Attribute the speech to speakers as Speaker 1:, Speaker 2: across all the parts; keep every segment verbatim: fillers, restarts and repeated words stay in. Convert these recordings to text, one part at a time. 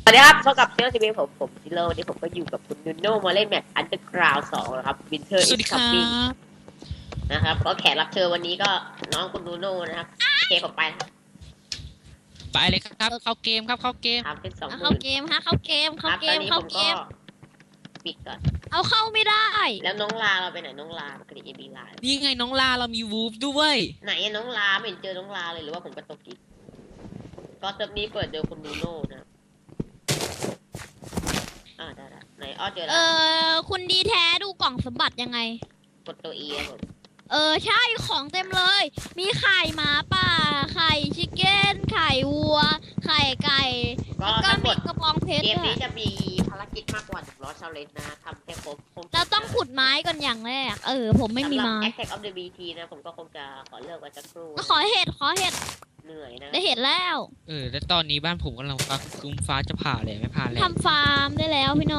Speaker 1: สวัสดีครับพบกับเซลล์ทีวีผมผมซิโร่วันนี้ผมก็อยู่กับคุณนูโน่มาเล่นแมตช์อันเดอร์กราวด์สองนะครับวินเทอร์
Speaker 2: สวัสดีครับ
Speaker 1: นะครับก็แขกรับเชิญวันนี้ก็น้องคุณนูโน่นะครับเคผมไปนะครับ
Speaker 2: ไปเลยครับเข้าเกมครับเข้าเกม
Speaker 1: ทำเป็นสองห
Speaker 3: เข้า
Speaker 1: มื่น
Speaker 3: เกมฮะเข้าเกม
Speaker 1: ครั
Speaker 3: เข้า
Speaker 1: บ
Speaker 3: เก
Speaker 1: ตอน
Speaker 3: ม
Speaker 1: นี้ผ
Speaker 3: เข้าม เก
Speaker 1: ก็
Speaker 3: ม
Speaker 1: ปิดก่อน
Speaker 3: เอาเข้าไม่ได้
Speaker 1: แล้วน้องลาเราไปไหนน้องลาปกติเอบีลา
Speaker 2: นี่ไงน้องลาเรามีวูฟด้วย
Speaker 1: ไหนอะน้องลาไม่เห็นเจอน้องลาเลยหรือว่าผมกระตกอีกก็เซิร์ฟนี้เปิดโดยคุณนูโน่นะอ่าได้ได้ไหนอ้อเจอ
Speaker 3: เอ
Speaker 1: แล้ว
Speaker 3: อคุณดีแท้ดูกล่องสมบัติยังไง
Speaker 1: กดตัวเอครับผม
Speaker 3: เออใช่ของเต็มเลย มีไข่หมาป่า ไข่ชิคเก้น ไข่วัว ไข่ไก่
Speaker 1: ก็
Speaker 3: แล้วก็
Speaker 1: ทั้งหม
Speaker 3: มี
Speaker 1: ด
Speaker 3: กระบองเพชร
Speaker 1: เกม
Speaker 3: ด้ว
Speaker 1: นี้
Speaker 3: ย
Speaker 1: จะมีภารกิจมากกว่าหนึ่งร้อยชาเลนจ์นะทำแค่ครบคง
Speaker 3: เราต้องขุดไม้ก่อนอย่างแรก เออ ผมไม่มีไม้
Speaker 1: สำหรับ Attack of the บี ที นะผมก็คงจะขอเลิกไว้สักครู่
Speaker 3: ขอเห็ดขอเห็ด
Speaker 1: เหนื่อยนะ
Speaker 3: ได้เห็ดแล้ว
Speaker 2: เออแล้วตอนนี้บ้านผมกำลังฟ้าครึ้มฟ้าจะผ่าเลยไม่ผ่าเลย
Speaker 3: ทำฟาร์มได้แล้วพี่โน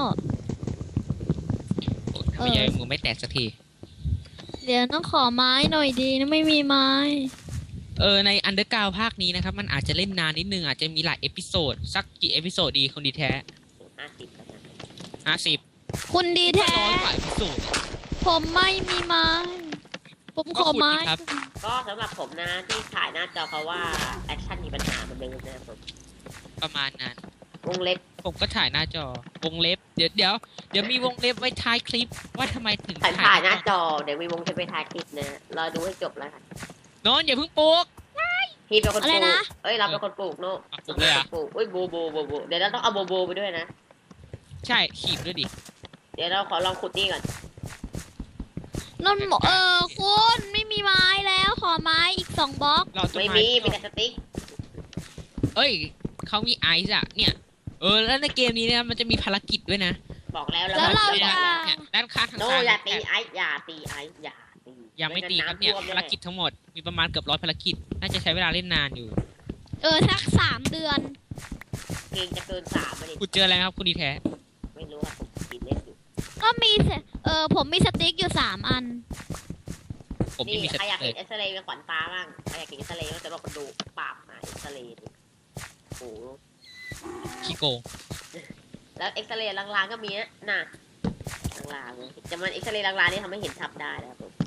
Speaker 2: โอ้ยทำไมยังมือไม่แตกสักที
Speaker 3: เดี๋ยวต้องขอไม้หน่อยดีนะไม่มีไม้
Speaker 2: เออในอันเดอร์กราวภาคนี้นะครับมันอาจจะเล่นนานนิดนึงอาจจะมีหลายเอพิโซดสักกี่เอพิโซดดีคนดีแท้
Speaker 1: ห้าสิบแล้วนะ
Speaker 2: ห้าสิบ
Speaker 3: คุณดีแท้
Speaker 2: ร้อยกว่าเอพิโซด
Speaker 3: ผมไม่มีไม้ ผมขอไม้
Speaker 2: ก็ขุดดิครับ
Speaker 1: ก็สำหรับผมนะที่ถ่ายหน้าจอเพราะว่าแอคชั่นมีปัญหาเหมือนเดิมนะครับผม
Speaker 2: ประมาณนั้น
Speaker 1: วงเล็บ
Speaker 2: ผมก็ถ่ายหน้าจอวงเล็บเดี๋ยวเดี๋ยวเดี๋ยวมีวงเล็บไว้ท้ายคลิปว่าทำไมถึง
Speaker 1: ถ่ายถ่ายหน้าจอเดี๋ยวมีวงจะไปถ่ายคลิปนะรอดูให้จบแล้วค่ะ
Speaker 2: โน้นอย่าเพิ่งปลูก
Speaker 1: พี่เป็นคนป
Speaker 3: อะไร
Speaker 1: ลูก
Speaker 3: นะ
Speaker 1: เอ้ยเราเป็นคนปลูกโน่
Speaker 2: อ่ะปลูกเลยเหรอ
Speaker 1: ปลูกเอ้ยโบโบโบโบเดี๋ยวเราต้องเอาโบโบไปด้วยนะ
Speaker 2: ใช่ขีบด้วยดิ
Speaker 1: เดี๋ยวเราขอลองขุดนี่ก่อน
Speaker 3: นนบอกเออคุณไม่มีไม้แล้วขอไม้อีกสองบล็อก
Speaker 2: เราต้น
Speaker 1: ไม่
Speaker 2: ไม้
Speaker 1: มีมีแต่สติ๊ก
Speaker 2: เอ้ยเขามีไอซ์อะเนี่ยเออแล้วในเกมนี้เนี่ยมันจะมีภารกิจด้วยนะ
Speaker 1: บอกแล้ว
Speaker 3: แล้วเรา
Speaker 1: ไม่
Speaker 3: จะ
Speaker 1: ได้
Speaker 2: เนี่ยด้านข้างทาง
Speaker 1: โน่
Speaker 2: ซ้าย
Speaker 1: อย่าตีไอ้อย่าตีไอ้อย่าตี
Speaker 2: ยังไม่ตีครับเนี่ย
Speaker 1: งั้นำท่วม
Speaker 2: ภาร
Speaker 1: แน่
Speaker 2: กิจทั้งหมดมีประมาณเกือบร้อยภารกิจน่าจะใช้เวลาเล่นนานอยู่
Speaker 3: เออสักสามเดือน
Speaker 1: เกงจะเกินสามมาดิ
Speaker 2: คุณเจออะไรครับคุณดีแท้
Speaker 1: ไม่รู้ครับผมกินเล่นอยู่
Speaker 3: ก็มีเสเออผมมีสติ๊กอยู่สามอัน
Speaker 2: ผม
Speaker 1: นี่
Speaker 2: ยังมีส
Speaker 1: ใครอยาก
Speaker 2: เต
Speaker 1: เห็นเอ็กซเรย์เป็นขวัญตาบ้างใครอยากเห็นเอ็กซเรย์ก็จะลองมาดูปราบหาเอ็กซเรย์ดิโอ้โห
Speaker 2: ขี้โกง
Speaker 1: แล้วเอ็กซเรย์ลางๆก็มีนะน่ะลางๆเลยจะมันเอ็กซเรย์ลางๆนี่ทำให้เห็นทับได้นะครับผม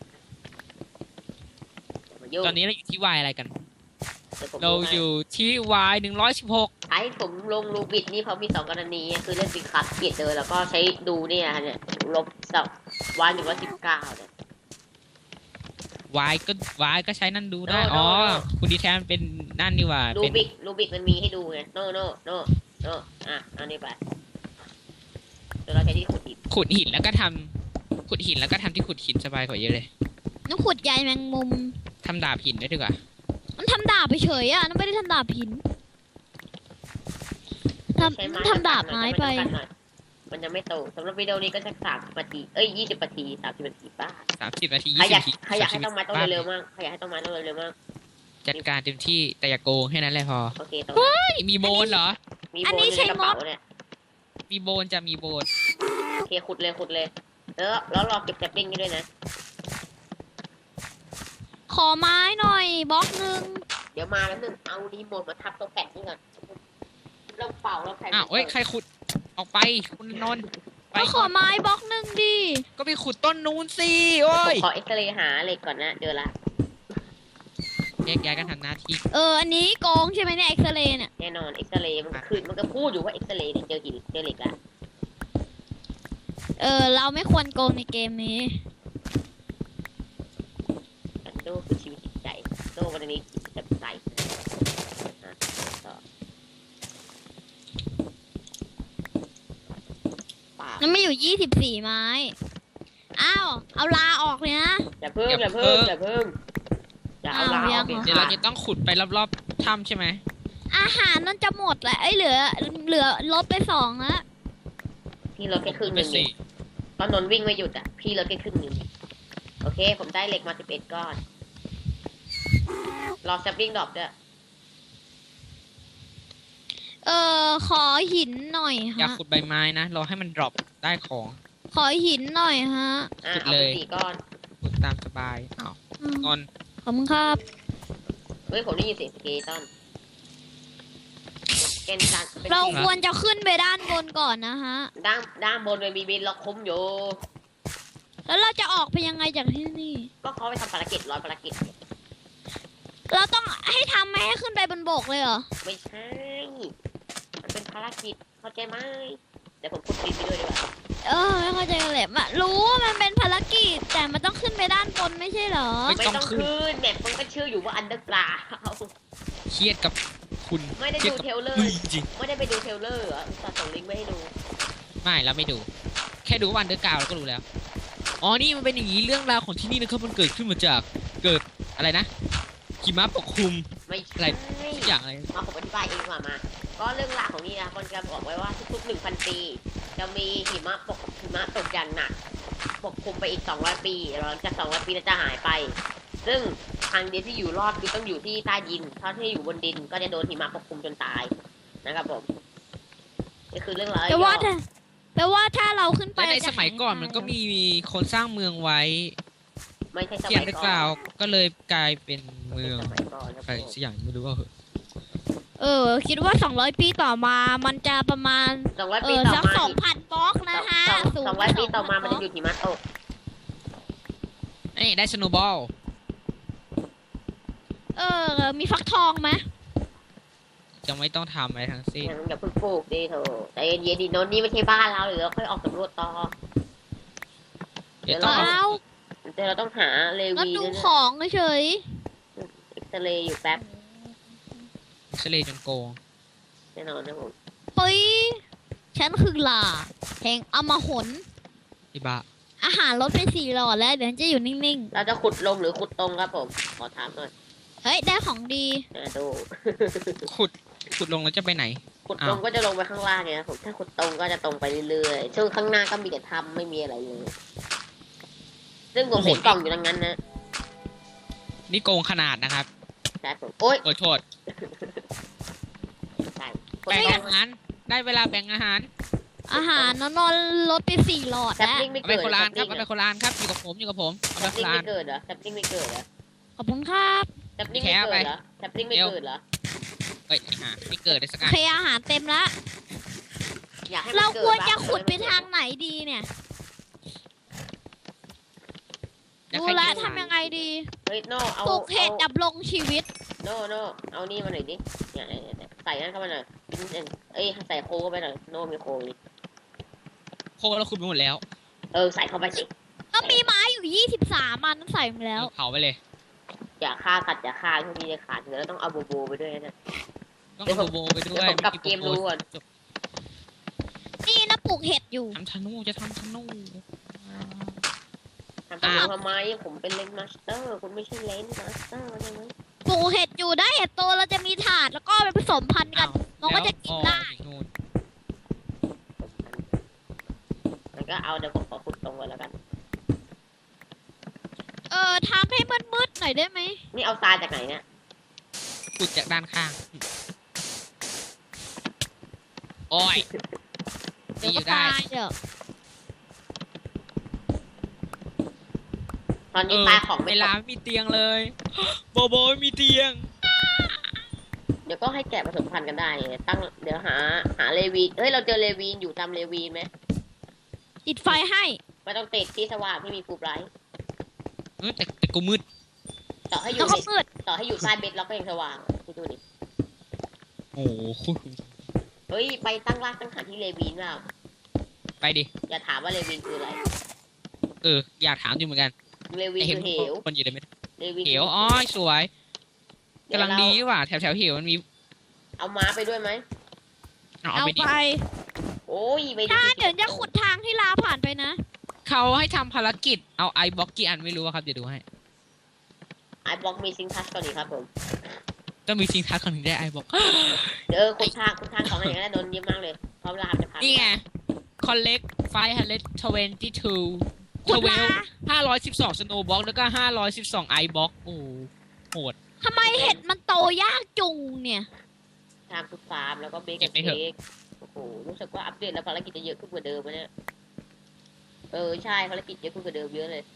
Speaker 1: อย่ามายุ่ง
Speaker 2: ตอนนี้เราอยู่ที่วายอะไรกัน
Speaker 1: ดี๋วผม
Speaker 2: เรา
Speaker 1: ดูให้
Speaker 2: อยู่ที่วายหนึ่งร้อยสิบหก
Speaker 1: ไอ้ผมลงรูบิดนี่เขามีสองกรณีคือเล่นบิคัสเกียดเลยแล้วก็ใช้ดูเนี่ยเนี่ยลบสับวันหนึ่งร้อยสิบเก้าเนี่ยว
Speaker 2: ายก็วายก็ใช้นั่นดูได้
Speaker 1: โน่
Speaker 2: อ๋อ
Speaker 1: โน่
Speaker 2: คุณดีแท้มันเป็นนั่นนี่หว่า
Speaker 1: รู
Speaker 2: เป็น
Speaker 1: บิกรูบิกมันมีให้ดูไงโน่โน่โน่โน่อ่ะเอานี่ไปเดี๋ยวเราใช้ที่ขุดหิน
Speaker 2: ขุดหินแล้วก็ทำขุดหินแล้วก็ทำที่ขุดหินสบายกว่าเยอะเลย
Speaker 3: น้ำขุดใยแมงมุม
Speaker 2: ทำดาบหินได้ดีกว่า
Speaker 3: มันทำดาบไปเฉยอ่ะนั่นไม่ได้ทำดาบหินทำ
Speaker 1: ใช้
Speaker 3: มัน
Speaker 1: ไม้
Speaker 3: ทำดาบไม้ไป
Speaker 1: จำกัดหน่อยมันยังไม่โตสำหรับวิดีโอนี้ก็สักสามสิบนาทีเอ้ยยี่สิบนาทีสามสิบนาทีป้า
Speaker 2: สามสิบนาที
Speaker 1: ใคร
Speaker 2: ยี่
Speaker 1: อ
Speaker 2: สิ
Speaker 1: ยาก
Speaker 2: บนาที
Speaker 1: ใครอยากให้ต้องไม้ต้อง
Speaker 2: บ้
Speaker 1: เร็วๆมั่งใครอยากให้ต้องไม้ต้องเร็วๆมั่ง
Speaker 2: จัดการเต็มที่แต่อย่าโกงแค่นั้นแหละพอ
Speaker 1: โอเคต้อง
Speaker 2: เฮ้ยมีโบนเหรอ
Speaker 1: มี
Speaker 3: อัน
Speaker 1: โบ
Speaker 3: นี้
Speaker 1: นอยู่
Speaker 3: ใช้
Speaker 1: ในกระเป๋าม
Speaker 3: ด
Speaker 1: เนี่ย
Speaker 2: มีโบนจะมีโบน
Speaker 1: โอเคขุดเลยขุดเลยแล้วแล้วรอเก็บแซปปิ้งนี่ด้วยนะ
Speaker 3: ขอไม้หน่อยบล็อกหนึ่ง
Speaker 1: เดี๋ยวมาแล้วนึงเอารีโมทมาทับตัวแปะนี่ก่อนเราเป่าเราใส่
Speaker 2: อ้าวเอ้ยใครขุดออกไปคุณนนท์ไป
Speaker 3: ก็ขอไม้บล็อกหนึ่งดิ
Speaker 2: ก็ไปขุดต้นนู้นสิโอ้
Speaker 1: ผม
Speaker 2: ย
Speaker 1: ขอเอ็กซเรย์หาเหล็กก่อนนะเจอละ
Speaker 2: แยกย้ายกันทำหน้าที่
Speaker 3: เอออันนี้โกงใช่ไหมเนี่ยเอ็กซเรย์เนี่ย
Speaker 1: แน่นอนเอ็กซเรย์มันคือมันก็พูดอยู่ว่าเอ็กซเรย์เนี่ยเจอหินเจอเหล็กละ
Speaker 3: เออเราไม่ควรโกงในเกมนี้
Speaker 1: อันโดคือชีวิตจิตใจโดวันนี้จะใส่อ่ะต่อป่า
Speaker 3: มันไม่อยู่ยี่สิบสี่ไม้ อ้าว เอาลาออกเลยนะ
Speaker 1: อย่าเพิ่งอย่าเพิ่งอย่าเพิ่งอย่าเอาลา
Speaker 3: อ้าวยั
Speaker 1: เอา
Speaker 3: ง
Speaker 1: เด็ด
Speaker 2: เดี๋ยว
Speaker 1: ขา
Speaker 2: เรา
Speaker 1: ด
Speaker 2: จะต้องขุดไปรอบๆถ้ำใช่ไหม
Speaker 3: อาหารนั่นจะหมดแหละไอ้ยเหลือ เหลือลบไปสองละ
Speaker 1: พี่ลดแค่ครึ่งห
Speaker 2: ไป
Speaker 1: นึ่ง
Speaker 2: สิ
Speaker 1: เองตอนนนท์วิ่งไม่หยุดอ่ะพี่ลดแค่ครึ่งหนึ่งโอเค ผมได้เหล็กมาสิบเอ็ดก้อนรอแซปปิ้งดรอปด้วย
Speaker 3: เออขอหินหน่อย
Speaker 2: อยาก
Speaker 3: ฮะ
Speaker 2: ขุดใบไม้นะรอให้มันดรอปได้ของ
Speaker 3: ขอหินหน่อยฮะ
Speaker 1: อ่ะ
Speaker 2: ขุด
Speaker 1: เอา
Speaker 2: เล
Speaker 1: ไป
Speaker 2: ย
Speaker 1: สี่ก้อน
Speaker 2: ขุดตามสบายอ้าว
Speaker 3: อืม
Speaker 2: นนท์
Speaker 3: ขอบคุณครับ
Speaker 1: เฮ้ยผมได้ยินเสียงสเกตันแกนกลางเป็น
Speaker 3: เรา
Speaker 1: สี
Speaker 3: ควรจะขึ้นไปด้านบนก่อนนะฮะ
Speaker 1: ด้านด้านบนมันมีบินล็อกคุ้มอยู่
Speaker 3: แล้วเราจะออกไปยังไงจากที่นี่
Speaker 1: ก็เขาไปทำภารกิจร้อยภารกิจ
Speaker 3: เราต้องให้ทำให้ขึ้นไปบนบกเลยเหรอ
Speaker 1: ไม่ใช่ มันเป็นภารกิจเข้าใจไหมเดี๋ยวผมพูดดินไปด้วยดีกว่า
Speaker 3: เออไม่เข้าใจกันเลยอะรู้ว่ามันเป็นภารกิจแต่มันต้องขึ้นไปด้านบนไม่ใช่เหรอ
Speaker 1: ไม่ต้องขึ้นแมปมันก็ชื่ออยู่ว่าอันเดอร์กราว
Speaker 2: เครียดกับคุณ
Speaker 1: ไม่ได้
Speaker 2: ครีย
Speaker 1: ดู
Speaker 2: กับ
Speaker 1: เทรลเลอ
Speaker 2: ลุย
Speaker 1: ร์
Speaker 2: จริง
Speaker 1: ไม่ได้ไปดูเทรลเลอร์เหรออุตส่าห์ส่งลิงก์มาให้ดู
Speaker 2: ไม่เราไม่ดู แค่ดูวันเดอร์กาวเราก็รู้แล้ว อ๋อ นี่มันเป็นอย่างนี้เรื่องราวของที่นี่นะครับ มันเกิดขึ้นมาจากเกิดอะไรนะหิมะปกคลุม
Speaker 1: ไม่
Speaker 2: อะ
Speaker 1: ใช่
Speaker 2: ไร ทุกอย่างอะไร
Speaker 1: มาผมอธิบายเองดีกว่ามา ก็เรื่องราวของนี่นะมันจะบอกไว้ว่าทุกๆหนึ่งพันปี จะมีหิมะปกหิมะตกอย่างหนักปกคลุมไปอีกสองร้อยปีหลังจากสองร้อยปีนั้นจะหายไป ซึ่งทางเดียวที่อยู่รอดคือต้องอยู่ที่ใต้ดินถ้าที่อยู่บนดินก็จะโดนหิมะปกคลุมจนตายนะครับผมนี่คือเรื่องราว
Speaker 3: แปลว่า
Speaker 1: ย่อ
Speaker 3: ถ้าแปลว่าถ้าเราขึ้นไป
Speaker 2: และใน
Speaker 3: จะ
Speaker 2: สมัยก่อนมันก็มีคนสร้างเมืองไว้
Speaker 1: ไม่ใช่ส
Speaker 2: เขีย
Speaker 1: มัน ย
Speaker 2: เดอร์
Speaker 1: ก่
Speaker 2: กา
Speaker 1: อ
Speaker 2: วน ก็เลยกลายเป็นเมือง
Speaker 1: สมัยก่อนนะ
Speaker 2: อะไรสักอย่างไม่รู้ว่าเหอะ
Speaker 3: เออ คิดว่าสองร้อยปีต่อมามันจะประมาณ
Speaker 1: สองร้อย
Speaker 3: เอ
Speaker 1: ปี
Speaker 3: อ
Speaker 1: ต่อ
Speaker 3: สัก
Speaker 1: มา
Speaker 3: สองพันบล็อกนะฮะ
Speaker 1: สอง
Speaker 3: สูง
Speaker 1: สองร้อยปีต่อมา
Speaker 3: สงพั
Speaker 1: มันจะหยุดหิมะตก
Speaker 2: นี่ได้สโนว์บอล
Speaker 3: เออ มีฟักทองไหม
Speaker 2: จะไม่ต้องทำอะไรทั้งสิ้น
Speaker 1: อย่าเพิ่งปลูกดิเถอะแต่เย็นๆดิโนนนี่ไม่ใช่บ้านเราเดี๋ยวเราค่อยออกสำรวจต่อ
Speaker 2: เดี๋ยวต้องเอา
Speaker 3: เอา
Speaker 1: เดี๋ยวเราต้องหาเล
Speaker 3: ก็
Speaker 1: วี
Speaker 3: ดู
Speaker 1: ด้วย
Speaker 3: ข
Speaker 1: นะ
Speaker 3: องเฉย
Speaker 1: เอ็กซเรย์อยู่แป๊บ
Speaker 2: เฉลยจนโกง
Speaker 1: แน่นอนนะผม
Speaker 3: เฮ้ย ฉันคือหล่าแห่งอมหน
Speaker 2: อีบ้า
Speaker 3: อาหารลดไปสี่หลอดแล้ว เดี๋ยวฉันจะอยู่นิ่ง
Speaker 1: เราจะขุดลงหรือขุดตรงครับผม ขอถามหน่อย
Speaker 3: ๆ เฮ้ย ได้ของดี
Speaker 1: นะดู
Speaker 2: ขุดขุดลงแล้วจะไปไหน
Speaker 1: ขุดตรงก็จะลงไปข้างล่างไงครับผม ถ้าขุดตรงก็จะตรงไปเรื่อยๆ ช่วงข้างหน้าก็มีแต่ถ้ำไม่มีอะไรเลย ซึ่งผมเห็นกล่องอยู่ตรงนั้นนะ
Speaker 2: นี่โกงขนาดนะครับ
Speaker 1: ใช่ผม โอ๊ย
Speaker 2: โอ้ยโทษ
Speaker 1: ใช่
Speaker 2: แบ่งอาหารได้เวลาแบ่งอาหาร
Speaker 3: อาหารนอนๆลดไปสี่หลอด
Speaker 1: แซป
Speaker 3: แล้ว
Speaker 1: ลิงไม่
Speaker 2: เอาไป
Speaker 1: เกิด
Speaker 2: โค
Speaker 1: แซ
Speaker 2: ราน
Speaker 1: ป
Speaker 2: ครั
Speaker 1: ลิ
Speaker 2: บ
Speaker 1: ง
Speaker 2: เอาไปโครานครับอยู่กับผมอยู่กับผมเอาไปโค
Speaker 1: ไม่
Speaker 2: ราน
Speaker 1: เกิดเหรอแซปลิงไม่เกิดเหรอ
Speaker 3: ขอบคุณครับ
Speaker 1: แซปลิงไม่เกิดเหรอแซปลิงไม่เกิดเหรอ
Speaker 2: เอ้ยอ่ะไม่เกิดได้สัก
Speaker 3: โอ
Speaker 2: อัน
Speaker 3: เคอาหารเต็มแล้ว
Speaker 1: อยากให้มัน
Speaker 3: เรา
Speaker 1: เกิด
Speaker 3: ควรจะ
Speaker 1: บ้
Speaker 3: ขุดไป
Speaker 1: แต่
Speaker 3: ทางไหนดีเนี่ย
Speaker 2: อยาก
Speaker 3: ดู
Speaker 2: ให้
Speaker 3: แล
Speaker 2: กิน
Speaker 3: ทำยังไงดี
Speaker 1: เฮ้ยโนเอา
Speaker 3: ปลูกเห็ด
Speaker 1: อา
Speaker 3: ดับลงชีวิต
Speaker 1: โน่โน่เอานี่มาหน่อยดิเนี่ยเนี่ยเนี่ยใส่นั่นเข้ามาหน่อยเอ้ยใส่โคเข้าไปหน่อยโน่มีโคนี่
Speaker 2: โคเราขุดไปหมดแล้ว
Speaker 1: เออใส่เข้าไปสิ
Speaker 3: ก็มีไม้อยู่ยี่สิบสามอันนั้นใส่มาแล้ว
Speaker 2: เผาไปเลย
Speaker 1: อย่าฆ่ากัดอย่าฆ่าพวกนี้จะขาดแล้วต้องเอาโบโบไปด้วยนะ
Speaker 2: ต้อง
Speaker 1: เดี๋ยวผ
Speaker 2: เอา
Speaker 1: ม
Speaker 2: โบไปด้
Speaker 1: เดี๋
Speaker 2: วย
Speaker 1: ยวผมกลับเกมรู้ก่อน
Speaker 3: นี่นะปลูกเห็ดอยู่
Speaker 2: ทำธนูจะทำธนู
Speaker 1: ทำตามทำไมผมเป็นเลนมาสเตอร์คุณไม่ใช่เลนมาสเตอร์ใช่ไหม
Speaker 3: ปลูกเห็ดอยู่ได้เห็ดโตเราจะมีถาดแล้วก็ไปผสมพันธุ์กัน มันก็จะกินได้
Speaker 2: แล้วอ๋อนู่น
Speaker 1: มันก็เอาเดี๋ยวผมขอขุดตรงก่อนแล้วกัน
Speaker 3: เออทำให้มืดๆหน่อยได้ไหม
Speaker 1: นี่เอาทรายจากไหนเนี่ย
Speaker 2: ขุดจากด้านข้าง โอ้ย
Speaker 3: เดี๋ยว
Speaker 2: อ
Speaker 3: ก็
Speaker 2: ยู่ได้
Speaker 3: ตายเดี๋ยว
Speaker 1: ตอน
Speaker 2: เอ
Speaker 1: นี้
Speaker 2: อ
Speaker 1: ปลาของ
Speaker 2: เว
Speaker 1: ไม่ต
Speaker 2: ลาก ไม่มีเตียงเลย โบโบไม่มีเตียง
Speaker 1: เดี๋ยวก็ให้แกะผสมพันธุ์กันได้ตั้งเดี๋ยวหาหาเลวีเฮ้ยเราเจอเลวีนอยู่ตามเลวีนไหม
Speaker 3: ติดไฟให้
Speaker 1: ไม่ต้องติดที่สว่างที่มีฟูไบรท์
Speaker 2: เออแต่แต่กูมืด
Speaker 1: ต่อให้อ
Speaker 3: แล้
Speaker 1: ยู่
Speaker 3: วก็
Speaker 1: ใน
Speaker 3: มืด
Speaker 1: ต่อให้อยู่ใต้เบ็ดเราก็ยังสว่างคิดดูดิ
Speaker 2: โอ้โห
Speaker 1: เฮ้ยไปตั้งรากตั้งฐานที่เลวีนเปล่า
Speaker 2: ไปดิ
Speaker 1: อย่าถามว่าเลวีนคืออะไร
Speaker 2: เออ อยากถามอยู่เหมือนกัน
Speaker 1: เลวีน
Speaker 2: แต่เห็
Speaker 1: คื
Speaker 2: น
Speaker 1: อเหว
Speaker 2: คนอยู่ในเม็ด
Speaker 1: เลวีน
Speaker 2: เหวอ๋อสวยกำลังดีว่ะแถวแถวๆเหวมันมี
Speaker 1: เอาม้าไปด้วยไหม
Speaker 2: เอา
Speaker 3: เอา
Speaker 2: ไปดิ
Speaker 3: ไป
Speaker 1: โอ้ยไป
Speaker 3: ถ้าเดี๋ยวจะขุดทางที่ลาผ่านไปนะ
Speaker 2: เขาให้ทำภารกิจเอาไอบล็อกกี่อันไม่รู้อะครับเดี๋ยวดูให้
Speaker 1: ไอบล็อกมีซิงทัชก่อนดีครับผม
Speaker 2: ต้องมีทิ้งทักคนถึงได้ไอบล็อก
Speaker 1: เดี๋ยวคุณทางคุณทางของอะไรอย่างนั้นโดนเยอะมากเลยเพราะเวลาจะผ่าน
Speaker 2: นี่ไง collect five hundred twenty two
Speaker 3: ขุดมา
Speaker 2: ห้าร้อยสิบสอง snow block แล้วก็ห้าร้อยสิบสองไอบล็อกโอ้โหด
Speaker 3: ทำไมเห็ดมันโตยากจุงเนี่ย
Speaker 1: ทางคุณฟาร์มแล้วก็เบ
Speaker 2: เก็
Speaker 1: เก
Speaker 2: บไปเถอะ
Speaker 1: เค้กโอ้โหรู้สึกว่าอัปเดตแล้วภารกิจจะเยอะขึ้นกว่าเดิมนะเนี่ยเออใช่ภารกิจเยอะขึ้นกว่าเดิมเยอะเลย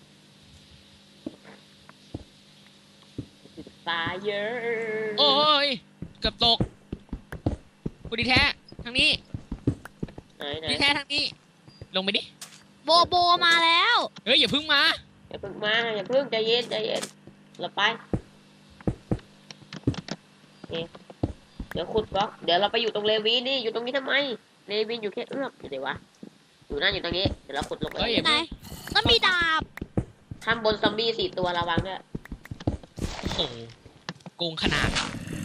Speaker 1: ฟาเยอะ
Speaker 2: โอ้ยเกือบตกคุณดีแท้ทางนี้
Speaker 1: ไหนไหน
Speaker 2: ดีแท้ทางนี้ ลงไปดิ
Speaker 3: โบโบมาแล้ว
Speaker 2: เฮ้ยอย่าเพึ่งมา
Speaker 1: อย่าเพิ่งมาอย่าเพิ่งใจเย็นใจเย็นเราไปโอเคเดี๋ยวขุดบล็อกเดี๋ยวเราไปอยู่ตรงเลวีนนี่อยู่ตรงนี้ทำไมเลวีนอยู่แค่เอื้อมอยู่ไหนวะอยู่นั่นอยู่ตรงนี้เดี๋ยวเราขุดลงไป
Speaker 2: เฮ้ยอย่า
Speaker 3: ไหน
Speaker 2: เพิ่ง
Speaker 3: ต้องมีดาบ
Speaker 1: ข้างบนซอมบี้สี่ตัวระวังด้วย
Speaker 2: โอ้โหโกงขนาด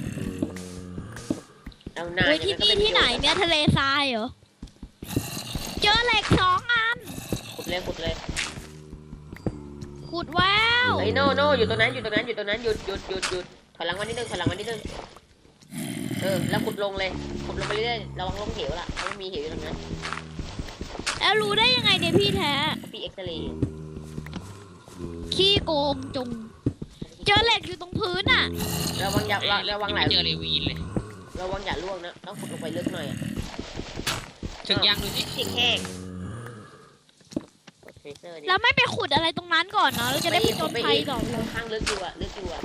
Speaker 1: เอาหน้า
Speaker 3: เฮ้ย
Speaker 1: เนี่
Speaker 3: ที่
Speaker 1: ยมันก็
Speaker 3: นี่
Speaker 1: ไม่
Speaker 3: ที่ไหน
Speaker 1: ประโยช
Speaker 3: เนี่ยทะเลทรายเหรอ เจอเหล็กสองอัน
Speaker 1: ขุดเลยขุดเลย
Speaker 3: ขุดแวว
Speaker 1: เฮ้ยโน่โน่อยู่ตรงนั้นอยู่ตรงนั้นอยู่ตรงนั้นหยุดหยุดหยุดหยุดถอยหลังมานิดนึงถอยหลังมานิดนึงเออแล้วขุดลงเลยขุดลงไปเรื่อยๆระวังลงเหวล่ะเพราะมันมีเหวอยู่ตรงนั้น
Speaker 3: แล้วรู้ได้ยังไงเนี่ยพี่แท้
Speaker 1: พี่เอ็กซเรย์
Speaker 3: ขี้โกงจง เจอเหล็กอยู่ตรงพื้นอ่ะ
Speaker 1: ระวังอย่าระระวังไหล
Speaker 2: ไม่เจอเลยวีนเลย
Speaker 1: ระวังอย่าล่วงนะต้องขุดลงไปลึกหน่อยอ่ะ
Speaker 2: ถึงยังดูสิ
Speaker 1: จิกแห้งกดเทเซอร์ดิ
Speaker 3: แล้วไม่ไปขุดอะไรตรงนั้นก่อนเนาะเราจะได้ไปจนภัยก่อนเลย
Speaker 1: ข้างลึกอยู่อ่ะลึกอยู่อ่ะ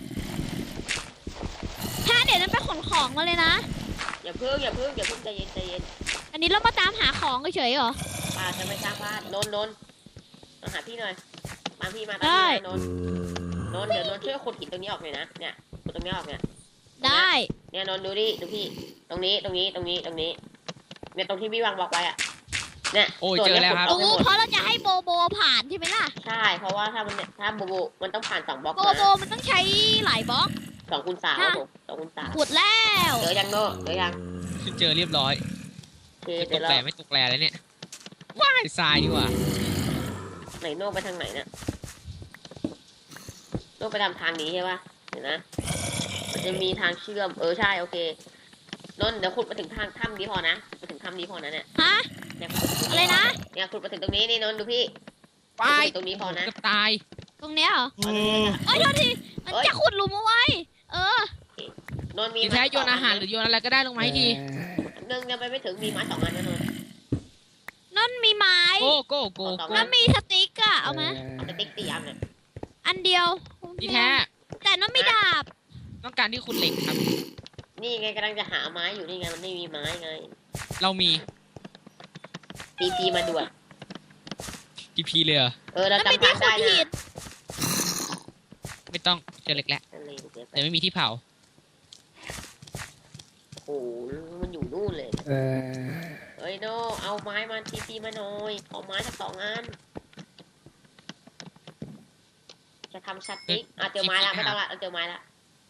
Speaker 3: แค่เดี๋ยวนั้นไปขนของมาเลยนะ
Speaker 1: อย่าเพิ่งอย่าเพิ่งอย่าเพิ่งใจเย็นใจเย็น
Speaker 3: อันนี้เรามาตามหาของเฉยๆเหรอ
Speaker 1: ป้าจะไม่สร้างบ้านนนท์นนท์มาหาพี่หน่อยมาพี่มา
Speaker 3: ได้
Speaker 1: ตามพี่นนท์นนท์เดี๋ยวนนท์ช่วยขุดหินตรงนี้ออกหน่อยนะเนี่ยขุดตรงนี้ออกเนี่ย
Speaker 3: ได้
Speaker 1: เนี่ยนนท์ดูดิดูพี่ตรงนี้ตรงนี้ตรงนี้ตรงนี้เนี่ยตรงที่พี่วางบล็อกไว้อะเนี่ย
Speaker 2: โอ้ย
Speaker 1: ส่วน
Speaker 2: เจอแล้วครับ
Speaker 1: นี่ย
Speaker 3: โอ้
Speaker 1: ขุดบล็อก
Speaker 3: เพราะเราจะให้โบโบผ่านใช่ไหมล่ะ
Speaker 1: ใช่เพราะว่าถ้ามันเนี่ยถ้าโบโบมันต้องผ่านสองบล็อก
Speaker 3: โบ
Speaker 1: มา
Speaker 3: โบมันต้องใช้หลายบล็อก
Speaker 1: สองคูณสามครับผมสองคูณสาม
Speaker 3: ขุดแล้ว
Speaker 1: เจอยังโน่เจอยัง
Speaker 2: เจอเรียบร้อย
Speaker 1: โอเค
Speaker 2: ไม่ต
Speaker 1: เดี๋ยว
Speaker 2: ก
Speaker 1: เรา
Speaker 2: แหล่ไม่ตกแหล่เลยเนี่ยว้ายทรายดีกว่า
Speaker 1: ไหนโน่ไปทางไหนเนี่ยโน่ไปทำทางนี้ใช่ปะเดี๋ยวนะมันจะมีทางเชื่อมเออใช่โอเคนนท์เดี๋ยวขุดมาถึงทางถ้ำนี้พอนะมาถึงถ้ำนี้พอนะเนี่ย
Speaker 3: ฮะ
Speaker 1: เนี่ยขุดมาถึง
Speaker 3: อะไรนะ
Speaker 1: เนี่ยขุดมาถึงตรงนี้นี่นนท์ดูพี่
Speaker 2: ว้าย
Speaker 1: ขุดมาถึงตรงนี้พอนะ
Speaker 2: เกือบตาย
Speaker 3: ตรงเนี้ยเหรอ
Speaker 1: เอาตรงนี้เลย
Speaker 3: เอ้ยโทษทีมันจะขุดหลุมเอาไว้ เออ
Speaker 1: นนท์มี
Speaker 2: ดีแท้โยนอาหารหรือโยนอะไรก็ได้ลงมาให้ที
Speaker 1: หนึ่งยังไปไม่ถึงมีไม้สองอันนะนนท์
Speaker 3: นั่นมีไม้
Speaker 2: โก้โก้โก้
Speaker 1: เอาต่อ
Speaker 2: โก้
Speaker 3: แล้วมีสติ๊กอะเอาไหม
Speaker 1: เอาสติ๊กตีอันเนี่ย
Speaker 3: อันเดียว
Speaker 2: ดีแท้
Speaker 3: แต่นั่นไม่ดาบ
Speaker 2: ต้องการที่คุณเหล็กครับ
Speaker 1: นี่ไงกำลังจะหาไม้อยู่นี่ไงมันไม่มีไม้ไง
Speaker 2: เรามี
Speaker 1: ตีพีมาด่วน
Speaker 2: ทีพีเลยเหรอ
Speaker 1: เออเรา
Speaker 3: นั่นเป็น
Speaker 1: จำ
Speaker 3: ที่
Speaker 1: ทาง
Speaker 3: ขุ
Speaker 1: ได้
Speaker 3: ดหิ
Speaker 1: นะ
Speaker 3: น
Speaker 2: ไม่ต้องเจอเหล็กแล้ว
Speaker 1: ทะเลเดี๋ยวไป
Speaker 2: แต่ไม่มีที่เผา
Speaker 1: โอ้โหมันอยู่นู่นเลยเฮ้ยโนเอาไม้มาทีพีมาหน่อยเอาไม้สักสองอันจะทำสติ๊กอ่ะเจอไม้ละไม่ต้องละเราเจอไม้ละ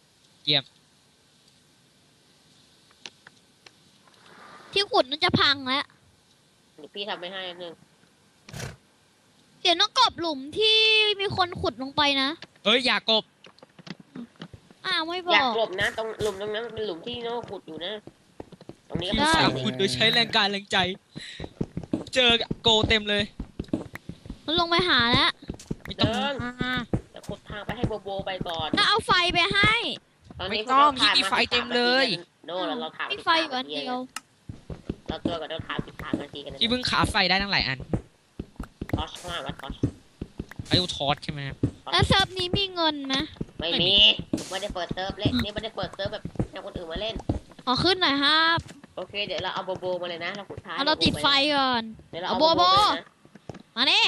Speaker 3: ที่ขุดมันจะพังแล้ว
Speaker 1: เดี๋ยวพี่ทำไม่ให้อันหนึ่ง
Speaker 3: เดี๋ยวต้องกบหลุมที่มีคนขุดลงไปนะ
Speaker 2: เอ้ยอย่ากบ
Speaker 3: อ้าวไม่บ
Speaker 1: อยาก
Speaker 3: อก
Speaker 1: กลบนะตรงหลุมตรงนั้นมันเป็นหลุมที่โนขุดอยู่นะ ตรงนี้ก็
Speaker 3: ได้
Speaker 1: เป็น
Speaker 2: สา
Speaker 1: สาว
Speaker 2: ม
Speaker 1: ดิ
Speaker 2: ขุดโดยใช้แรงกายแรงใจ เจอโกเต็มเลย
Speaker 3: มันลงไปหาแล้ว
Speaker 2: ไม่ต้อง
Speaker 1: เดิน
Speaker 2: อ่า
Speaker 1: จะขุดทางไปให้โบโบไปก่อน
Speaker 3: น่าเอาไฟไปให้
Speaker 1: ตอนนี้
Speaker 2: ไม่ต้อง
Speaker 1: พวกเราถ่าย
Speaker 2: มีไฟเต็มเลย
Speaker 1: โน่เราเราถ่าย
Speaker 3: มีไฟอยู่อันเดียว
Speaker 1: เราตัวกับเราถ่ายสิบสามนาทีกันนะ
Speaker 2: ที่เพิ่งขาไฟได้ตั้งหลายอัน
Speaker 1: ทอชมากว่าทอช
Speaker 2: ไอ้ทอดใช่ไหมครับ
Speaker 3: แล้วเซิร์ฟนี้มีเงินไหม
Speaker 1: ไม่
Speaker 2: ไม่มี
Speaker 1: มีไม่ได้เปิดเซิร์ฟเล่นนี่ไม่ได้เปิดเซิร์ฟแบบให้คนอื่นมาเล่น
Speaker 3: ขอขึ้นหน่อยครับ
Speaker 1: โอเคเดี๋ยวเราเอาโบโบมาเลยนะเราขุดท้าย
Speaker 3: เอาเราติดไฟก่อน
Speaker 1: เดี๋ยวเรา
Speaker 3: เอา
Speaker 1: เอา
Speaker 3: โบ
Speaker 1: โบ
Speaker 3: โบ
Speaker 1: โบไปนะ
Speaker 3: มานี่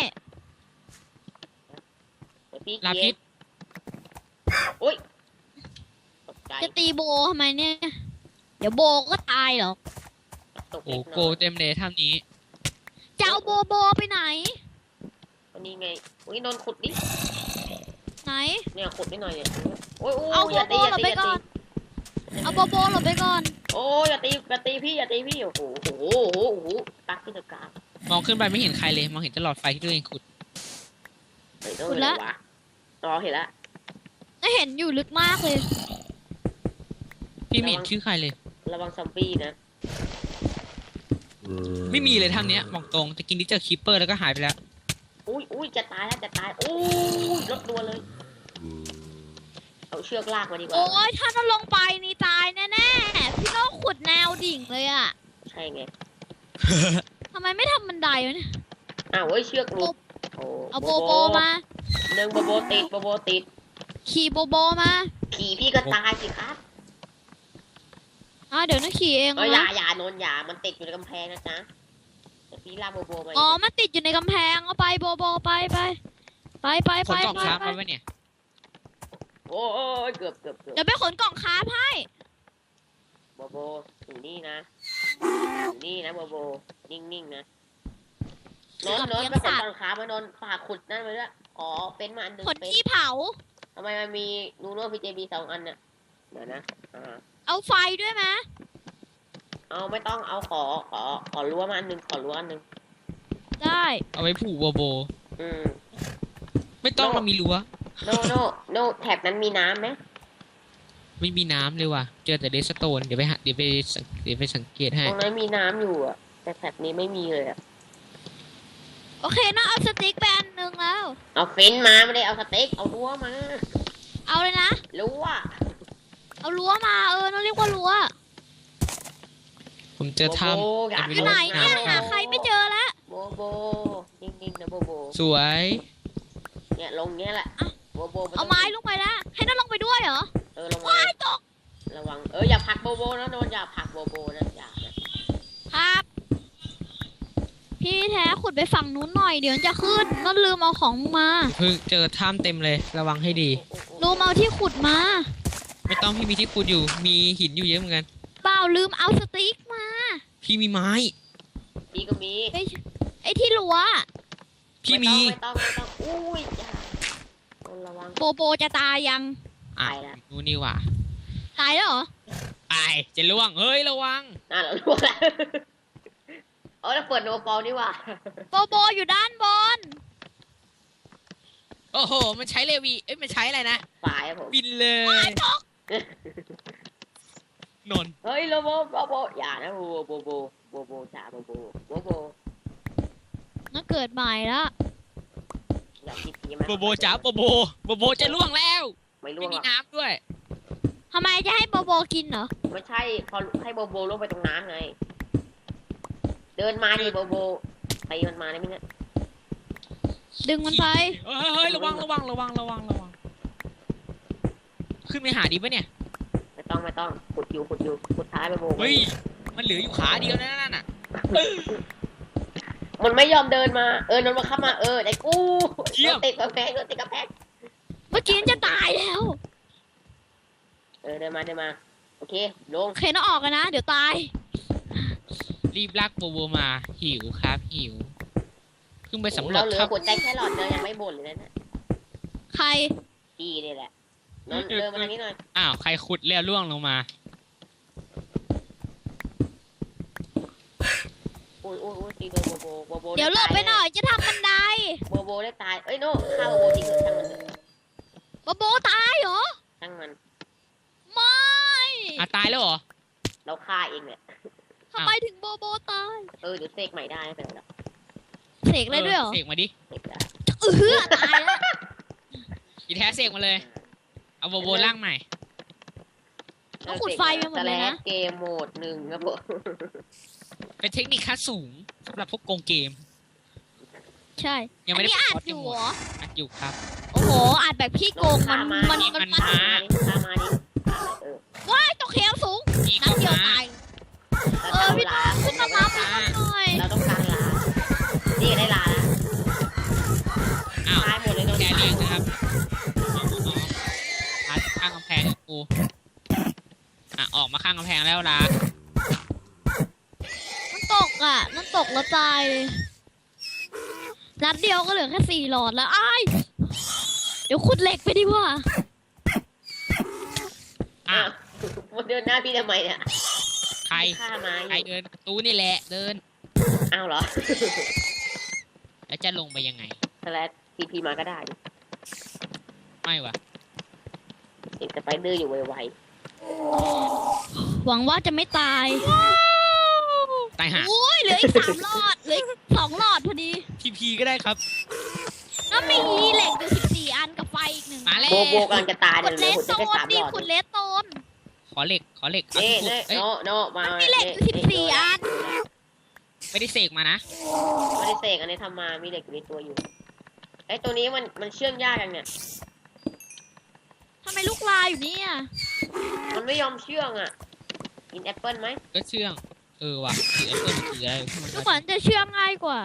Speaker 1: เดี๋ยวพี่
Speaker 2: ลา
Speaker 1: เกี
Speaker 2: พิ
Speaker 1: ย
Speaker 2: ษ
Speaker 1: ร์อุ้ยตกใจ
Speaker 3: จะตีโบทำไมเนี่ย เดี๋ยวโบก็ตายหรอก
Speaker 1: ตก
Speaker 2: โอ้
Speaker 1: เล็ก
Speaker 2: โก
Speaker 1: น้อย
Speaker 2: เต็มเลยถ้ำนี้
Speaker 3: จะเอาโบโบไปไหน
Speaker 1: วันนี้ไงอุ้ยนนท์ขุดดิ
Speaker 3: ไหน
Speaker 1: เนี่ยขุดนิดหน่อยเนี่ยโอ้ยโอ้
Speaker 3: เอา
Speaker 1: ย
Speaker 3: โบ
Speaker 1: อย่า
Speaker 3: โบ
Speaker 1: ตีอ
Speaker 3: หล
Speaker 1: ย่า
Speaker 3: บ
Speaker 1: ตี
Speaker 3: ไป
Speaker 1: อย่า
Speaker 3: ก่
Speaker 1: ตี
Speaker 3: อน เอาโบโบหลบไปก่อน
Speaker 1: โอ้ยอย่าตีอย่าตีพี่อย่าตีพี่โอ้โหโอ้โหโอ้โหโอ้โหตักขึ้นอากาศ
Speaker 2: มองขึ้นไปไม่เห็นใครเลย มองเห็นแตหลอดไฟที่ตัวเองขุด
Speaker 1: เฮ้ยโน่นเลยวะรอเห็นละ
Speaker 3: น่าเห็นอยู่ลึกมากเลย
Speaker 2: พี่ไม่เห็นชื่อใครเลย
Speaker 1: ระวังซอมบี้นะ
Speaker 2: ไม่มีเลยถ้ำเนี้ยบอกตรงจะกินที่เจอคีปเปอร์แล้วก็หายไปแล้ว
Speaker 1: อุ้ยอุ้ยจะตายแล้วจะตายอุ้ยลดตัวเลยเอาเชือกลากมาดีกว่า
Speaker 3: โอ้ยถ้าเราลงไปนี่ตายแน่ๆ พี่โน้ขุดแนวดิ่งเลยอะ
Speaker 1: ใช่ไง
Speaker 3: ทำไมไม่ทำบันไดวะเนี่ย
Speaker 1: อ้าวเว้ยเชือกหลุดโอ้
Speaker 3: เอาโบโบมา
Speaker 1: หนึ่งโบโบติดโบโบติด
Speaker 3: ขี่โบโบมา
Speaker 1: ขี่พี่ก็ตายสิครับ
Speaker 3: อ่ะเดี๋ยวนะขี่เอง
Speaker 1: เอออย่า
Speaker 3: นะ
Speaker 1: อย่าโนนอย่ามันติดอยู่ในกำแพงนะจ๊ะเดี๋ยวพี่ลากโบโบมา
Speaker 3: อ๋อมันติดอยู่ในกำแพงเอาไปโบโบไปไปไปไป
Speaker 2: ข
Speaker 3: ไป
Speaker 2: นกล่อง
Speaker 3: ไป
Speaker 2: ค้า
Speaker 3: ไป
Speaker 2: มาไว้เนี่ย
Speaker 1: โอ้โอ้ยเกือบเกือบเกือบ
Speaker 3: เดี๋ยวไปขนกล่องค้าให้
Speaker 1: โบโบอยู่นี่นะอยู่นี่นะโบโบนิ่งๆนะโนนโนนไปขนตอนค้ามานนฝากขุดนั่นไปด้วยอ๋อเป็นมาอันหนึง
Speaker 3: ขน
Speaker 1: เป็น
Speaker 3: ขี้เผา
Speaker 1: ทำไมมันมีนูโน่พีเจบีสองอันน่ะเดี๋ยวนะอ่า
Speaker 3: เอาไฟด้วยไหม
Speaker 1: เอาไม่ต้องเอาขอขอขอรั้วมาอันหนึงขอรั้วอันหนึง
Speaker 3: ได้
Speaker 2: เอาไว้ผูกโบโบ
Speaker 1: อืม
Speaker 2: ไม่ต้อง
Speaker 1: โน่
Speaker 2: เรามีรั้ว
Speaker 1: โนโนโนแถบนั้นมีน้ำไหม
Speaker 2: ไม่มีน้ำเลยว่ะเจอแต่เดสโตนเดี๋ยวไปหาเดี๋ยวไปสังเดี๋ยวไปสังเกตให้
Speaker 1: ตรงนั้นมีน้ำอยู่อะแต่แถบนี้ไม่มีเลยอะ
Speaker 3: โอเคนะเอาสติ๊กไปอันหนึ่งแล้ว
Speaker 1: เอาฟินมาไม่ได้เอาสเต็กเอารั้วมา
Speaker 3: เอาเลยนะ
Speaker 1: รั้ว
Speaker 3: เอารั้วมาเออนั่นเรียกว่ารั้ว
Speaker 2: ผมเจอถ้
Speaker 1: โบโบอยาก
Speaker 2: ำ
Speaker 3: ที่ไหนเนี่ยหาใครไม่เจอแล้ว
Speaker 1: โบโบนิ่งๆนะโบโบ
Speaker 2: สวย
Speaker 1: เนี่ยลงเงี้ยแหละโบโบนต้
Speaker 3: เอา
Speaker 1: ง
Speaker 3: ไม้ลงไปแล้วให้นั่นลงไปด้วยเหรอ
Speaker 1: เออลงมา
Speaker 3: ว้ายตก
Speaker 1: ระวังเอออย่าผลักโบโบนะโนนอย่าผลักโบโบนะอย่านะครับ
Speaker 3: พี่แท้ขุดไปฝั่งนู้นหน่อยเดี๋ยวจะขึ้นนั่นลืมเอาของมา
Speaker 2: เพิ่งเจอถ้ำเต็มเลยระวังให้ดี
Speaker 3: ลืมเอาที่ขุดมา
Speaker 2: ไม่ต้องพี่มีที่ขุดอยู่มีหินอยู่เยอะเหมือนกัน
Speaker 3: เปล่าลืมเอาสติ๊กมา
Speaker 2: พี่มีไม้
Speaker 1: พี่ก็มี
Speaker 3: ไอ้ไอ้ที่รั้ว
Speaker 2: พี่มี
Speaker 1: ไม่ต้องไม่ต้องไม่ต้องอุ้ยอย่าโนนระวัง
Speaker 3: โบโบจะตายยัง
Speaker 2: อ่ะ
Speaker 1: ไปละ
Speaker 2: ดูนี่ว่ะ
Speaker 3: ตายแล้วเหรอ
Speaker 2: ไปจะล่วงเฮ้ยระวัง
Speaker 1: น่าเรารู้แล้วเออแล้วเปิดโนฟอลนี่ว่ะ
Speaker 3: โบโบอยู่ด้านบน
Speaker 2: โอ้โหมันใช้เลวีเอ้ยมันใช้อะไรนะ
Speaker 1: ฝ่ายอะผม
Speaker 2: บินเลย
Speaker 3: ตก
Speaker 2: นนท์
Speaker 1: เฮ้ยโลโบโบโบอย่านะโบโบโบโบโบจ่าโบโบโบโบ
Speaker 3: นั่นเกิดใหม่แล้ว
Speaker 1: อย่าคิดดีมาก
Speaker 2: โบโบจ๋าโบโบโบโบจะล่วงแล้ว
Speaker 1: ไม่ร่ว
Speaker 2: ไม่
Speaker 1: งห
Speaker 2: มี
Speaker 1: รอก
Speaker 2: น้ำด้วย
Speaker 3: ทำไมจะให้โบโบกินเหรอ
Speaker 1: ไม่ใช่พอให้โบโบลงไปตรงน้ำไง เดินมาดิโบโบไปมันมาได้ไหมเนี่ย
Speaker 3: ดึงมันไป
Speaker 2: เฮ้ยเฮ้ยระวังระวังระวังระวังระวังขึ้นไปหาดีปะเนี่ย
Speaker 1: ไม่ต้องไม่ต้องขุดอยู่ขุดอยู่ขุดท้ายโบโบ
Speaker 2: เฮ้ยมันเหลืออยู่ขาเดียวนะนั่นน่ะ
Speaker 1: มันไม่ยอมเดินมาเออนนมาเข้ามาเออไอ้กูโดนติดกระแพงโดนติดกระแพง
Speaker 3: เมื่อกี้จะตายแล้ว
Speaker 1: เออเดินมาเดินมาโอเคลง
Speaker 3: โอเคนะออกกันนะ เดี๋ยวตาย
Speaker 2: รีบลากโบโบมาหิวครับหิวเพิ่งไปสำรว
Speaker 1: เรา
Speaker 2: จ
Speaker 1: เหลือ
Speaker 2: ครับ
Speaker 1: หัวใจแค่หลอดเดียวยังไม่บ่นเลยนะเนี่ย
Speaker 3: ใคร
Speaker 1: พี่นี่แหละนนเดินมาทางนี้หน่อย
Speaker 2: อ้าวใครขุดแล้วล่วงลงมา
Speaker 1: อุ้ยอุ้ยอุ้ยตีโดนโบโบโบโบ
Speaker 3: เดี๋ยวหลบไปหน่อยจะทำบันได
Speaker 1: โบโบได้ตายเอ้ยโน่ฆ่าโบโบจริงเหรอช่างมันเถอะ
Speaker 3: โบโบตายเหรอ
Speaker 1: ช่างมัน
Speaker 3: ไม่
Speaker 2: อ่ะตายแล้วเหรอ
Speaker 1: เราฆ่าเองเนี่ย
Speaker 3: ทำไมถึงโบโบตาย
Speaker 1: เออเดี๋ยวเสกใหม่ได้ไม่เป็นไรหรอก
Speaker 3: เสกเลยด้วยเหรอ
Speaker 2: เสกมาดิ
Speaker 1: เสกได้
Speaker 3: เออตายแล้ว
Speaker 2: อีแท้เสกมาเลย เอาโบโบล่างใหม่
Speaker 3: ต้องขุดไฟไปหมดเลยนะ
Speaker 1: เกมโหมดหนึ่งครับผม
Speaker 2: เป็นเทคนิคขั้นสูงสำหรับพวกโกงเกม
Speaker 3: ใช่
Speaker 2: ยัง
Speaker 3: อั
Speaker 2: ไม่
Speaker 3: น
Speaker 2: ได้
Speaker 3: นี้อัด
Speaker 2: ปลด
Speaker 3: อยู่
Speaker 2: หม
Speaker 3: เห
Speaker 2: ด
Speaker 3: รอ
Speaker 2: อัดอยู่ครับ
Speaker 3: โอ้โหอัดแบบพี่โกงมันมันมัน
Speaker 2: มัน
Speaker 3: มัน
Speaker 2: มา
Speaker 1: ฆ่ามาดิ เออ
Speaker 3: ว้ายตกเหวสูง
Speaker 2: อีก
Speaker 3: น้ำเดียว
Speaker 2: มา
Speaker 3: ตายเออพี่ต้องขึ้นมารับมันหน่อย
Speaker 1: เราต้องการลา นี่ได้ลาแล้ว
Speaker 2: อ้าว
Speaker 1: ตายหมดเลยโดน
Speaker 2: แก
Speaker 1: ตาย
Speaker 2: เลี้ยงนะครับอาข้างกำแพงกูอ่ะออกมาข้างกำแพงแล้วล่ะ
Speaker 3: มันตกอ่ะมันตกแล้วตายเลยนัดเดียวก็เหลือแค่สี่หลอดแล้วอ้ายเดี๋ยวขุดเหล็กไปดีกว่า
Speaker 2: อ้าว
Speaker 1: มันเดินหน้าพี่ทำไมเนี่ย
Speaker 2: ใคร
Speaker 1: ฆ่ามาอ
Speaker 2: ใคร
Speaker 1: ยู่
Speaker 2: เดินประตูนี่แหละเดิน
Speaker 1: อ้าวเหรอ
Speaker 2: แล้วจะลงไปยังไง
Speaker 1: สแลชทีพีมาก็ได้ดิ
Speaker 2: ไม่วะ
Speaker 1: เด็กสไปเดอร์อยู่ไว
Speaker 3: หวังว่าจะไม่ตาย
Speaker 2: ตายห่า
Speaker 3: โอ้ยเหลืออีกสามหลอดเหลืออีกสองหลอดพอดี
Speaker 2: ทีพีก็ได้ครับ
Speaker 3: แล้วมีเหล็กอยู่สิบสี่อันกับไฟอีกหนึ่ง
Speaker 2: มาแล้
Speaker 1: ๆ
Speaker 2: ว
Speaker 1: โบโบกำลังจะตาย
Speaker 3: ขุ
Speaker 1: เดี๋
Speaker 3: ด
Speaker 1: ยว
Speaker 3: เล
Speaker 1: เหลือ
Speaker 3: ส
Speaker 1: หัวใจ
Speaker 3: โต
Speaker 1: แค่
Speaker 3: น
Speaker 1: สามหลอด
Speaker 3: ดิขุดเลสโตน
Speaker 2: ขอเหล็กขอเหล็กเอา
Speaker 1: นี่
Speaker 2: ที่ขุด
Speaker 1: นี่
Speaker 2: เอ้ย
Speaker 1: โนโนมา
Speaker 3: มันมีเหล็กอยู่สิบสี่อัน
Speaker 2: ไม่ได้เสกมานะ
Speaker 1: ไม่ได้เสกอันนี้ทำมา มีเหล็กอยู่ในตัวอยู่ไอ้ตัวนี้มันมันเชื่อมยากยังเนี่ย
Speaker 3: ทำไมลูกลายอยู่เนี่ย
Speaker 1: มันไม่ยอมเชื่องอ่ะกินแอปเปิ้ลไหม
Speaker 2: ก็เชื่องเออว่ะถือแอปเปิ้ลถืออะไรพวกมัน
Speaker 3: ดูเหมือนจะเชื่องง่ายกว่า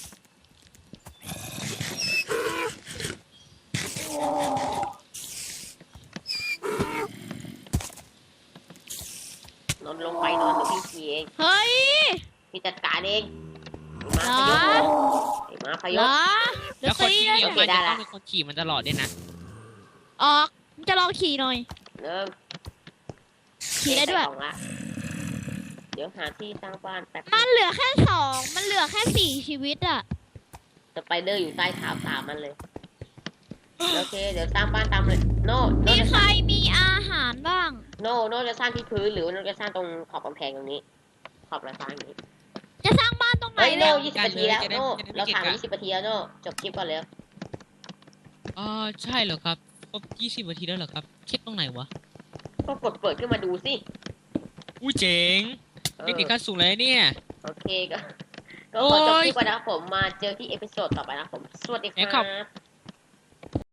Speaker 1: นอนลงไปนอนเดี๋ยวพี่ขี่เอง
Speaker 3: เฮ้ย
Speaker 1: พี่จัดการเองไอ้
Speaker 3: เหร
Speaker 1: ม้า
Speaker 3: อ
Speaker 1: พยศไอ้ม้าพย
Speaker 3: เหร
Speaker 1: ศ
Speaker 3: อ
Speaker 2: แล้
Speaker 3: จะ
Speaker 2: วคน
Speaker 3: ตี
Speaker 2: ที่
Speaker 3: เลย
Speaker 2: เหนียวมันจะต้องเป็นคนขี่มันตลอดด้วยนะ
Speaker 3: ออกมึงจะลองขี่หน่อย
Speaker 1: เริ่ม
Speaker 3: ขี่ได้ด้วย
Speaker 1: ใส่กล่องละเดี๋ยวหาที่สร้างบ้านแป๊บ
Speaker 3: มันเหลือแค่สองมันเหลือแค่สี่ชีวิตอะ
Speaker 1: สไปเดอร์อยู่ใต้เท้าสามมันเลยโอเคเดี๋ยวสร้างบ้านตามเลยโน่โน่
Speaker 3: มี
Speaker 1: จะ
Speaker 3: ใครมีอาหารบ้าง
Speaker 1: โน่โน่จะสร้างที่พื้นหรือว่าโน่จะสร้างตรงขอบกำแพงตรงนี้ ขอบระสร้างอย่างนี้
Speaker 3: จะสร้างบ้านตรงไหน
Speaker 1: เฮ้ย
Speaker 3: เร็
Speaker 1: โน่
Speaker 3: ว
Speaker 1: ยี่สิบนาทีแล้วโน่เราผ่านยี่สิบนาทีแล้วโน่จบคลิปก่อนเลย
Speaker 2: อ๋อใช่เหรอครับครบยี่สิบนาทีแล้วเหรอครับคลิปตรงไหนวะ
Speaker 1: ก็กดเปิดขึ้นมาดูสิ
Speaker 2: อู้เจ๋ง
Speaker 1: เออ
Speaker 2: เทคนิคขั้นสูงเลยเนี่ย
Speaker 1: โอเคก็ก็ขอจบคลิปก่อนนะครับผมมาเจอที่เอพิโซดต่อไปนะครับผมสวัสดีค
Speaker 2: แล้
Speaker 1: รั
Speaker 2: วขอบ
Speaker 1: บ